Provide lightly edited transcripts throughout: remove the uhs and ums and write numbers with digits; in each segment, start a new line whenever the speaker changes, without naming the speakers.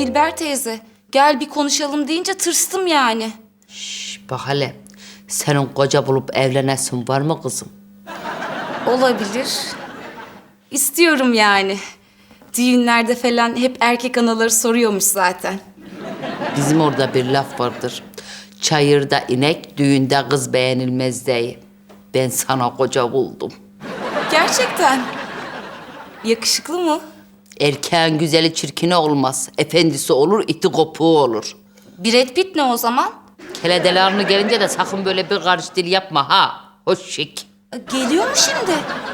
Dilber teyze. Gel bir konuşalım deyince tırstım yani.
Bak hele, senin koca bulup evlenesin var mı kızım?
Olabilir. İstiyorum yani. Düğünlerde falan hep erkek anaları soruyormuş zaten.
Bizim orada bir laf vardır. Çayırda inek, düğünde kız beğenilmez diye. Ben sana koca buldum.
Gerçekten. Yakışıklı mı?
Erkeğin güzeli çirkini olmaz. Efendisi olur, iti kopuğu olur.
Brad Pitt ne o zaman?
Keledelerini gelince de sakın böyle bir karış dil yapma ha. Hoş şik.
Geliyor mu şimdi?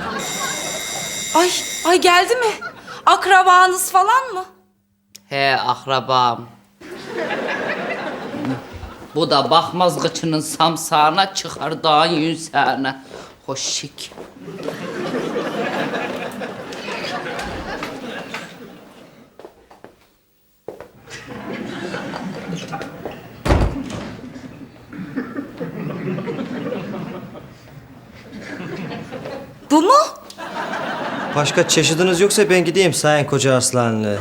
Ay geldi mi? Akrabanız falan mı?
He akrabam. Bu da bakmaz gıçının samsağına, çıkar dağın yünsağına. Hoş şik.
Bu mu?
Başka çeşidiniz yoksa ben gideyim Sayın Koca Arslanlı.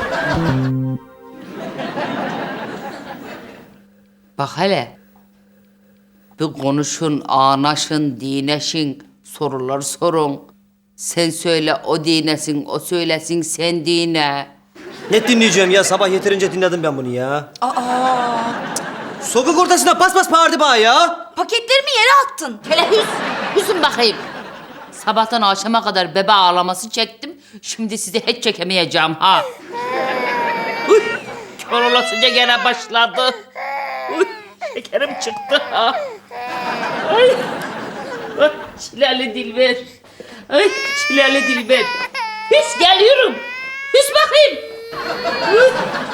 Bak hele. Bir konuşun, anaşın, dineşin, sorular sorun. Sen söyle, o dinesin, o söylesin, sen dine.
Ne dinleyeceğim ya? Sabah yeterince dinledim ben bunu ya.
Aa,
Sokak ortasına bas bas bağırdı bana ya.
paketlerimi yere attın.
Hele hüsün bakayım. Sabahtan akşama kadar bebe ağlaması çektim. Şimdi sizi hiç çekemeyeceğim ha. Uy, kör olasıca gene başladı. Uy, şekerim çıktı ha. Ay, ay çileli Dilber. Ay çileli Dilber. Hüs geliyorum. Hüs bakayım. Uy.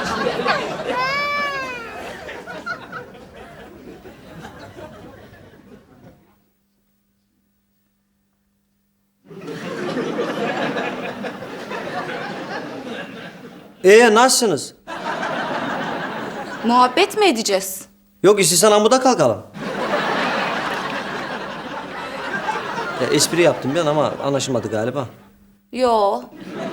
Nasılsınız?
Muhabbet mi edeceğiz?
Yok istiyorsan amuda kalkalım. Ya, espri yaptım ben ama anlaşılmadı galiba.
Yo.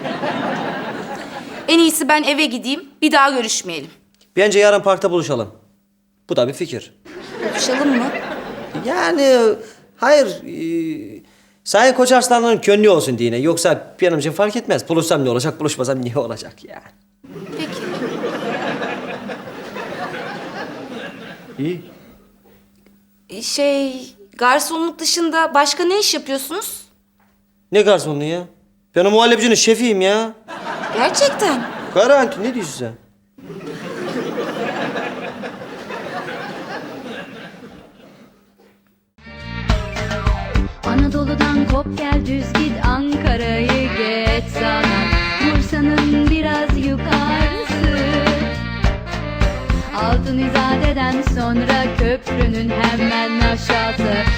En iyisi ben eve gideyim, bir daha görüşmeyelim.
Bence yarın parkta buluşalım. Bu da bir fikir.
Buluşalım mı?
Yani hayır. Sayın Koca Arslanlı'nın gönlü olsun diye. Yoksa benim için fark etmez. Buluşsam ne olacak, buluşmasam ne olacak yani.
Peki.
İyi.
Garsonluk dışında başka ne iş yapıyorsunuz?
Ne garsonluğu ya? Ben o muhallebicinin şefiyim ya.
Gerçekten.
Garanti ne diyorsun sen?
Anadolu'dan kop gel düz git Ankara'yı geç sana Bursa'nın biraz yukarısı Altın İzade'den sonra köprünün hemen aşağısı